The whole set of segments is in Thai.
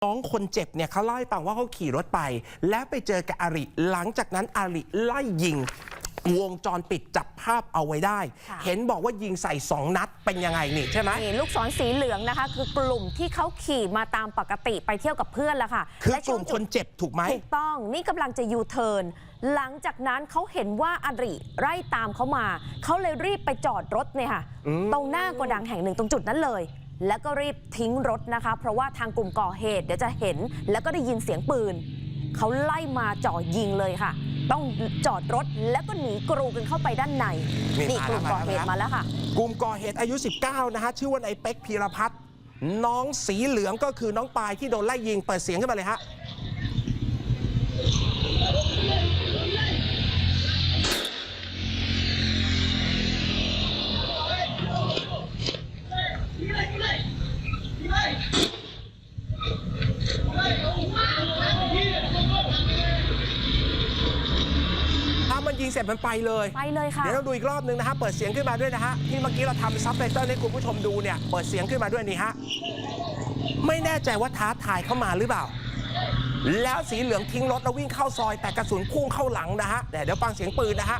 น้องคนเจ็บเนี่ยเขาเล่าให้ฟังว่าเขาขี่รถไปแล้วไปเจอกับอาริหลังจากนั้นอาริไล่ยิงวงจรปิดจับภาพเอาไว้ได้เห็นบอกว่ายิงใส่2 นัดเป็นยังไงนี่ใช่ไหมนี่ลูกศรสีเหลืองนะคะคือกลุ่มที่เขาขี่มาตามปกติไปเที่ยวกับเพื่อนแล้วค่ะคือกลุ่มคนเจ็บถูกไหมถูกต้องนี่กำลังจะยูเทิร์นหลังจากนั้นเขาเห็นว่าอาริไล่ตามเขามาเขาเลยรีบไปจอดรถเนี่ยค่ะตรงหน้าโกดังแห่งหนึ่งตรงจุดนั้นเลยแล้วก็รีบทิ้งรถนะคะเพราะว่าทางกลุ่มก่อเหตุเดี๋ยวจะเห็นแล้วก็ได้ยินเสียงปืนเขาไล่มาจ่อยิงเลยค่ะต้องจอดรถแล้วก็หนีกรูกันเข้าไปด้านในนี่กลุ่มก่อเหตุมาแล้วค่ะกลุ่มก่อเหตุอายุ19นะฮะชื่อว่านายเป๊กพีรพัฒน์น้องสีเหลืองก็คือน้องปายที่โดนไล่ยิงเปิดเสียงขึ้นมาเลยฮะมันยิงเสร็จมันไปเลยค่ะเดี๋ยวเราดูอีกรอบนึงนะฮะเปิดเสียงขึ้นมาด้วยนะฮะที่เมื่อกี้เราทำซับไตเติลให้คุณผู้ชมดูเนี่ยเปิดเสียงขึ้นมาด้วยนี่ฮะไม่แน่ใจว่าท้าทายเข้ามาหรือเปล่าแล้วสีเหลืองทิ้งรถแล้ววิ่งเข้าซอยแต่กระสุนพุ่งเข้าหลังนะฮะเดี๋ยวฟังเสียงปืนนะฮะ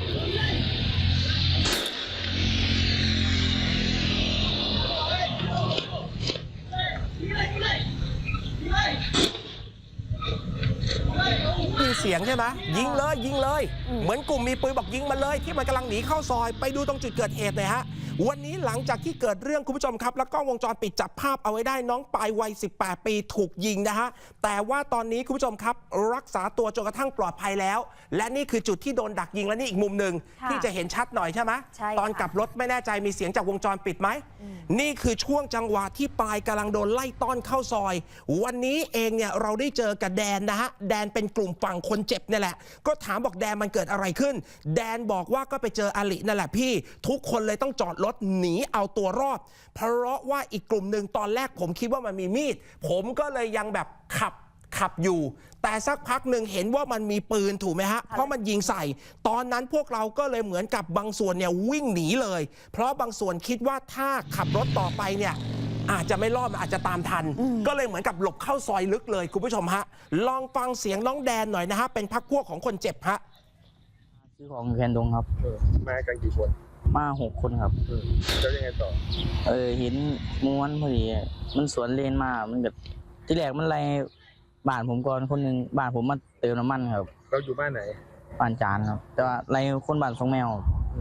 มีเสียงใช่ไหมยิงเลยยิงเลยเหมือนกลุ่มมีปืนบอกยิงมาเลยที่มันกำลังหนีเข้าซอยไปดูตรงจุดเกิดเหตุเลยฮะวันนี้หลังจากที่เกิดเรื่องคุณผู้ชมครับแล้วก็วงจรปิดจับภาพเอาไว้ได้น้องปายวัย18 ปีถูกยิงนะฮะแต่ว่าตอนนี้คุณผู้ชมครับรักษาตัวจนกระทั่งปลอดภัยแล้วและนี่คือจุดที่โดนดักยิงและนี่อีกมุมหนึ่งที่จะเห็นชัดหน่อยใช่ไหมตอนกลับรถไม่แน่ใจมีเสียงจากวงจรปิดไหมนี่คือช่วงจังหวะที่ปายกำลังโดนไล่ต้อนเข้าซอยวันนี้เองเนี่ยเราได้เจอกับแดนนะฮะแดนเป็นกลุ่มฝั่งคนเจ็บนี่แหละก็ถามบอกแดนมันเกิดอะไรขึ้นแดนบอกว่าก็ไปเจออารินั่นแหละพี่ทุกคนเลยต้องจอดรถหนีเอาตัวรอดเพราะว่าอีกกลุ่มหนึ่งตอนแรกผมคิดว่ามันมีมีดผมก็เลยยังแบบขับอยู่แต่สักพักหนึ่งเห็นว่ามันมีปืนถูกไหมฮะเพราะมันยิงใส่ตอนนั้นพวกเราก็เลยเหมือนกับบางส่วนเนี่ยวิ่งหนีเลยเพราะบางส่วนคิดว่าถ้าขับรถต่อไปเนี่ยอาจจะไม่รอดมันอาจจะตามทันก็เลยเหมือนกับหลบเข้าซอยลึกเลยคุณผู้ชมฮะลองฟังเสียงน้องแดนหน่อยนะฮะเป็นพรรคพวกของคนเจ็บฮะซื้อของแคนดงครับมากันกี่คนมา6 คนครับแล้วยังไงต่อเห็นม้วนพอดีมันสวนเลนมามันแบบที่แรกมันไล่บ้านผมก่อนคนหนึ่งบ้านผมมาเติมน้ำมันครับเราอยู่บ้านไหนบ้านจานครับแต่ว่าไล่คนบ้าน2 แมว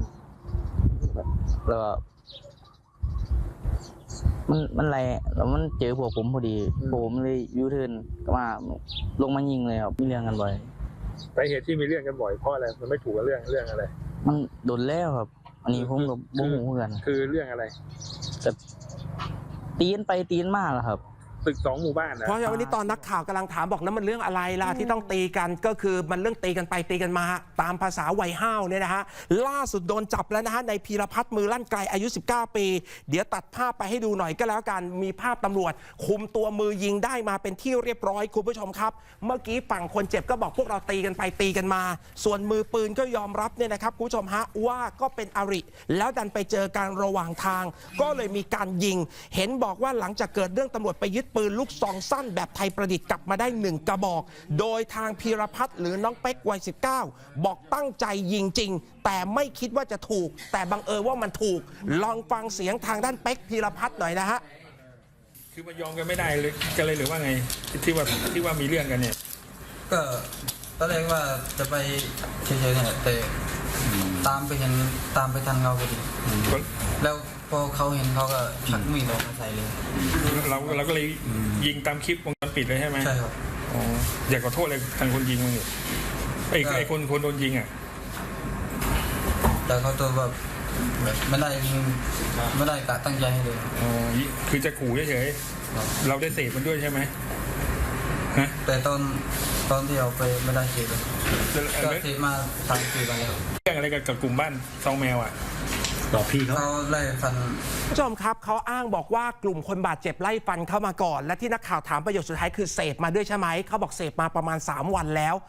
แล้วมันไล่แล้วมันเจอพวกผมพอดีผมเลยยูเทิร์นก็มาลงมายิงเลยครับมีเรื่องกันบ่อยสาเหตุที่มีเรื่องกันบ่อยเพราะอะไรมันไม่ถูกกับเรื่องอะไรมันโดนแล้วครับอันนี้ผมกับบุ้งหูกันคือเรื่องอะไรแต่ตีนไปตีนมาแล้วครับตึก2 หมู่บ้านนะเพราะวันนี้ตอนนักข่าวกำลังถามบอกแล้วมันเรื่องอะไรล่ะที่ต้องตีกันก็คือมันเรื่องตีกันไปตีกันมาตามภาษาวัยห้าวเนี่ยนะฮะล่าสุดโดนจับแล้วนะฮะในพีรพัฒน์มือลั่นไกลอายุ19 ปีเดี๋ยวตัดภาพไปให้ดูหน่อยก็แล้วกันมีภาพตำรวจคุมตัวมือยิงได้มาเป็นที่เรียบร้อยคุณผู้ชมครับเมื่อกี้ฝั่งคนเจ็บก็บอกพวกเราตีกันไปตีกันมาส่วนมือปืนก็ยอมรับเนี่ยนะครับคุณผู้ชมฮะว่าก็เป็นอาริแล้วดันไปเจอการระหว่างทางก็เลยมีการยิงเห็นบอกว่าหลังจากเกิดเรื่องตำรวจไปยึดปืนลูกซองสั้นแบบไทยประดิษฐ์กลับมาได้1 กระบอกโดยทางพีรพัฒน์หรือน้องเป๊กวัย19บอกตั้งใจยิงจริงแต่ไม่คิดว่าจะถูกแต่บังเอิญว่ามันถูกลองฟังเสียงทางด้านเป๊กพีรพัฒน์หน่อยนะฮะคือมันยอมกันไม่ได้เลยกันเลยหรือว่าไงที่ว่ามีเรื่องกันเนี่ยก็ตอนแรกว่าจะไปเฉยๆเนี่ยแต่ตามไปทันเขาพอดีแล้วพอเขาเห็นเขาก็ชักมีดออกมาใส่เลยเราก็เลยยิงตามคลิปวงจรปิดเลยใช่ไหมใช่ครับอยากขอโทษเลยทางคนยิงมันอยู่ไอ้คนโดนยิงอ่ะแต่เขาตัวแบบไม่ได้กะตั้งใจให้เลยคือจะขู่เฉยๆเราได้เสพมันด้วยใช่ไหมฮะแต่ตอนที่เราไปไม่ได้เสพเลยก็เสพมา3-4 วันแล้วเรื่องอะไรกับกลุ่มบ้าน2 แมวอ่ะต่อพี่เขาไล่ฟันผู้ชมครับเขาอ้างบอกว่ากลุ่มคนบาดเจ็บไล่ฟันเข้ามาก่อนและที่นักข่าวถามประโยคสุดท้ายคือเสพมาด้วยใช่ไหมเขาบอกเสพมาประมาณ3 วันแล้ว